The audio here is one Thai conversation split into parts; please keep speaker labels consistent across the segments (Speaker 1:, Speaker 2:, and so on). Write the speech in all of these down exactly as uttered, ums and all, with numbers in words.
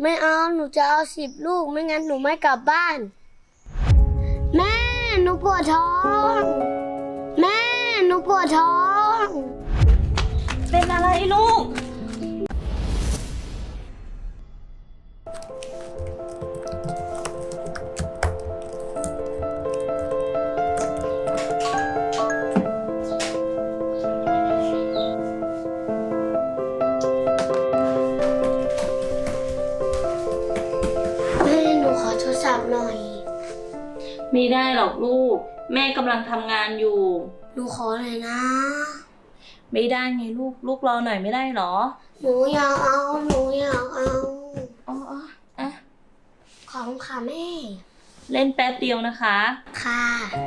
Speaker 1: ไม่เอาหนูจะเอาสิบลูกไม่งั้นหนูไม่กลับบ้านแม่หนูปวดท้องแม่หนูปวดท้อง
Speaker 2: เป็นอะไรลูก
Speaker 1: แม่หนูขอโทรศัพท์หน่อย
Speaker 2: ไม่ได้หรอกลูกแม่กำลังทำงานอยู่
Speaker 1: หนูขอหน่อยนะ
Speaker 2: ไม่ได้ไงลูกลูกรอหน่อยไม่ได้หรอ
Speaker 1: หนูอยากเอาหนูอยากเอา
Speaker 2: อ๋ออ่ะ
Speaker 1: ขอบคุณค่ะแม่
Speaker 2: เล่นแป๊บเดียวนะคะ
Speaker 1: ค่ะ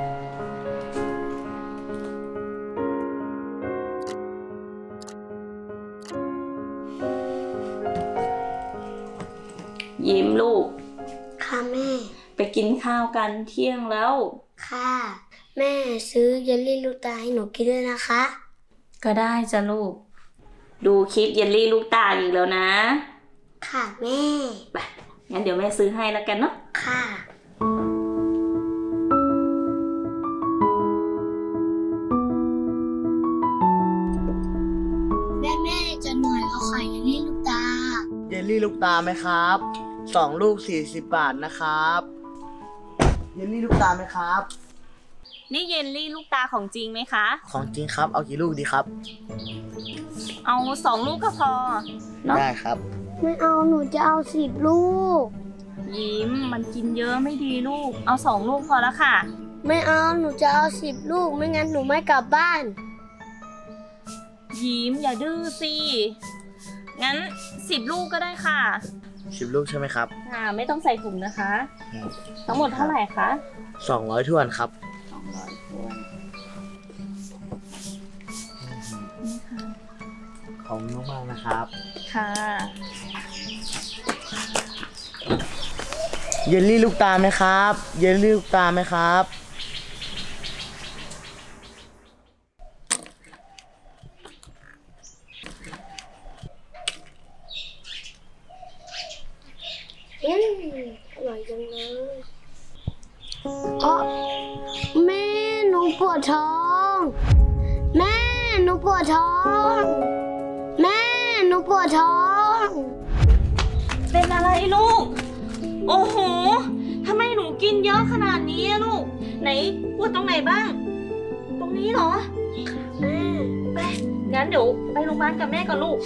Speaker 2: ยิ้มลูก
Speaker 1: ค่ะแม่
Speaker 2: ไปกินข้าวกันเที่ยงแล้ว
Speaker 1: ค่ะแม่ซื้อเยลลี่ลูกตาให้หนูกินด้วยนะคะ
Speaker 2: ก็ได้จ้ะลูกดูคลิปเยลลี่ลูกตาอีกแล้วนะ
Speaker 1: ค่ะแม่
Speaker 2: ไปงั้นเดี๋ยวแม่ซื้อให้แล้วกันเนาะ
Speaker 1: ค่ะแม่แม่จะหน่อยเอาไข่เยลลี่ลูกตา
Speaker 3: เยลลี่ลูกตาไหมครับสองลูกสี่สิบบาทนะครับเยลลี่ลูกตาไหมครับ
Speaker 2: นี่เยลลี่ลูกตาของจริงไหมคะ
Speaker 3: ของจริงครับเอากี่ลูกดีครับ
Speaker 2: เอาสองลูกก็พอเนาะ
Speaker 3: ได้ครับ
Speaker 1: ไม่เอาหนูจะเอาสิบลูก
Speaker 2: ยิ้มมันกินเยอะไม่ดีลูกเอาสองลูกพอแล้วค่ะ
Speaker 1: ไม่เอาหนูจะเอาสิบลูกไม่งั้นหนูไม่กลับบ้าน
Speaker 2: ยิ้มอย่าดื้อสิงั้นสิบลูกก็ได้ค่ะ
Speaker 3: สิบลูกใช่ไหมครับ
Speaker 2: ค่ะไม่ต้องใส่ถุงนะคะทั้งหมดเท่าไหร่คะ
Speaker 3: สองร้อยถ้วนครับ
Speaker 2: สองร้อยถ้วนนี่ค่ะ
Speaker 3: ขอบคุณมากๆนะครับ
Speaker 2: ค่ะ
Speaker 3: เยลลี่ลูกตาไหมครับเยลลี่ลูกตาไหมครับ
Speaker 1: อืมอร่อยจังเลยอ๋อแม่หนูปวดท้องแม่หนูปวดท้องแม่หนูปวดท้อง
Speaker 2: เป็นอะไรลูกโอ้โหทำไมหนูกินเยอะขนาดนี้ลูกไหนปวดตรงไหนบ้างตรงนี้เหรอ
Speaker 1: แม่
Speaker 2: ไปงั้นเดี๋ยวไปโรงพยาบาลกับแม่ก่อนลูก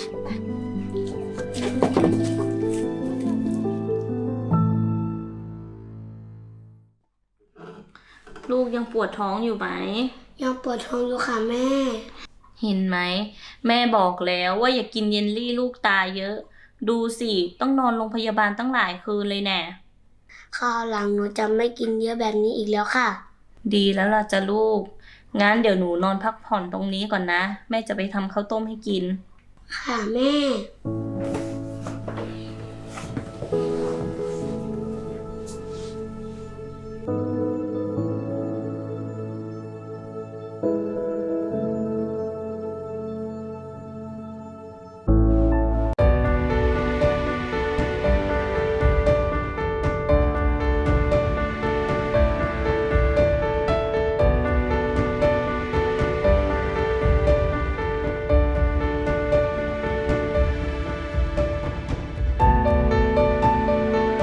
Speaker 2: ลูกยังปวดท้องอยู่ไหม
Speaker 1: ยังปวดท้องอยู่ค่ะแม่
Speaker 2: เห็นไหมแม่บอกแล้วว่าอย่ากินเยลลี่ลูกตาเยอะดูสิต้องนอนโรงพยาบาลตั้งหลายคืนเลยแน่
Speaker 1: คราวหลังหนูจะไม่กินเยอะแบบนี้อีกแล้วค่ะ
Speaker 2: ดีแล้วล่ะจ้ะลูกงั้นเดี๋ยวหนูนอนพักผ่อนตรงนี้ก่อนนะแม่จะไปทำข้าวต้มให้กิน
Speaker 1: ค่ะแม่